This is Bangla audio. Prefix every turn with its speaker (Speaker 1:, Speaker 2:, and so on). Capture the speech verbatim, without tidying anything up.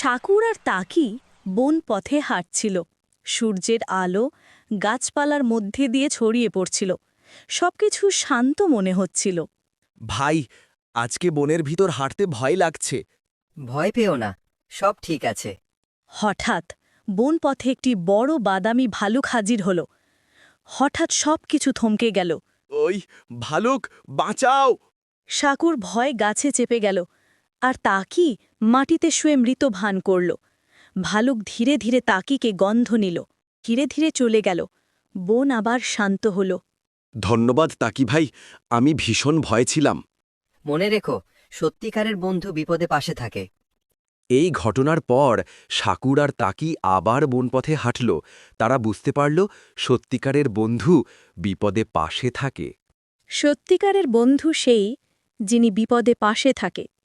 Speaker 1: সাকুর আর তাকি বন পথে হাঁটছিল। সূর্যের আলো গাছপালার মধ্যে দিয়ে ছড়িয়ে পড়ছিল। সবকিছু শান্ত মনে হচ্ছিল।
Speaker 2: ভাই, আজকে বনের ভিতর হাঁটতে ভয় লাগছে।
Speaker 3: ভয় পেও না, সব ঠিক আছে।
Speaker 1: হঠাৎ বন পথে একটি বড় বাদামি ভালুক হাজির হল। হঠাৎ সবকিছু থমকে গেল।
Speaker 2: ওই ভালুক, বাঁচাও!
Speaker 1: সাকুর ভয় গাছে চেপে গেল, আর তাকি মাটিতে শুয়ে মৃত ভান করল। ভালুক ধীরে ধীরে তাকিকে গন্ধ নিল, ধীরে ধীরে চলে গেল। বন আবার শান্ত হল।
Speaker 2: ধন্যবাদ তাকি ভাই, আমি ভীষণ ভয় ছিলাম।
Speaker 3: মনে রেখো, সত্যিকারের বন্ধু বিপদে পাশে থাকে।
Speaker 2: এই ঘটনার পর সাকুর আর তাকি আবার বনপথে হাঁটল। তারা বুঝতে পারল সত্যিকারের বন্ধু বিপদে পাশে থাকে।
Speaker 1: সত্যিকারের বন্ধু সেই, যিনি বিপদে পাশে থাকে।